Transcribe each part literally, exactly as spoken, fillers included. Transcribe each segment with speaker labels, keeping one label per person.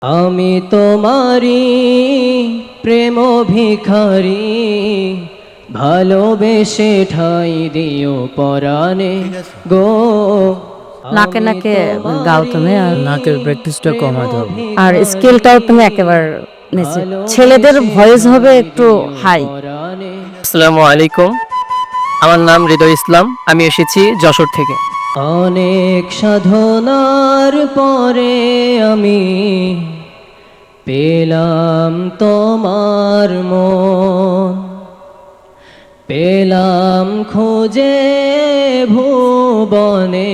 Speaker 1: আমি তোমারি প্রেম ভিখারি, ভালোবেসে ঠাই দিও পরাণে গো।
Speaker 2: নাকে নাকে গাও তুমি, আর
Speaker 3: নাকের প্র্যাকটিসটা কমাতে হবে।
Speaker 2: আর স্কেলটাও তুমি একেবারে নিচে। ছেলেদের ভয়েস হবে একটু হাই।
Speaker 4: আসসালামু আলাইকুম, আমার নাম হৃদয় ইসলাম, আমি এসেছি যশোর থেকে।
Speaker 1: অনেক সাধনার পরে আমি পেলাম তোমার মন, পেলাম খুঁজে ভুবনে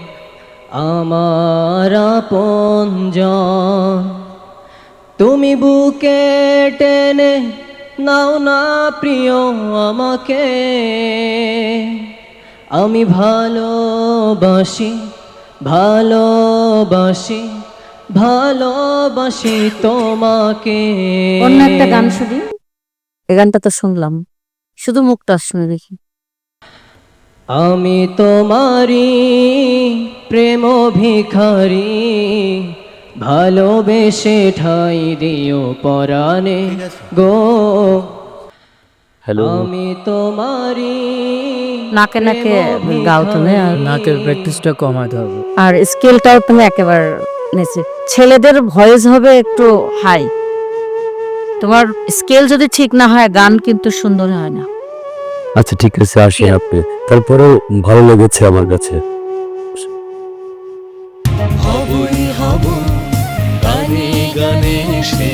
Speaker 1: আমার আপনজন। তুমি বুকে টেনে নাও না প্রিয় আমাকে, আমি ভালোবাসি ভালোবাসি ভালোবাসি তোমাকে।
Speaker 2: অন্য একটা গান শুনি, এই গানটা তো শুনলাম, শুধু মুখটা শুনে দেখি।
Speaker 1: আমি তোমারি প্রেম ভিখারি, ভালোবেসে ঠাই দিও পরাণে গো।
Speaker 3: হ্যালো,
Speaker 1: আমি তোমারি
Speaker 2: নাকে নাকে গাও তুমি, আর
Speaker 3: নাকের প্র্যাকটিসটা কমাতে হবে।
Speaker 2: আর স্কেলটাও তুমি একেবারে নিচে। ছেলেদের ভয়েস হবে একটু হাই। তোমার স্কেল যদি ঠিক না হয় গান কিন্তু সুন্দর হয় না।
Speaker 5: আচ্ছা ঠিক আছে, আসেন আপনি। তারপরেও ভালো লেগেছে আমার কাছে।
Speaker 6: হবই হব গানে গানে সে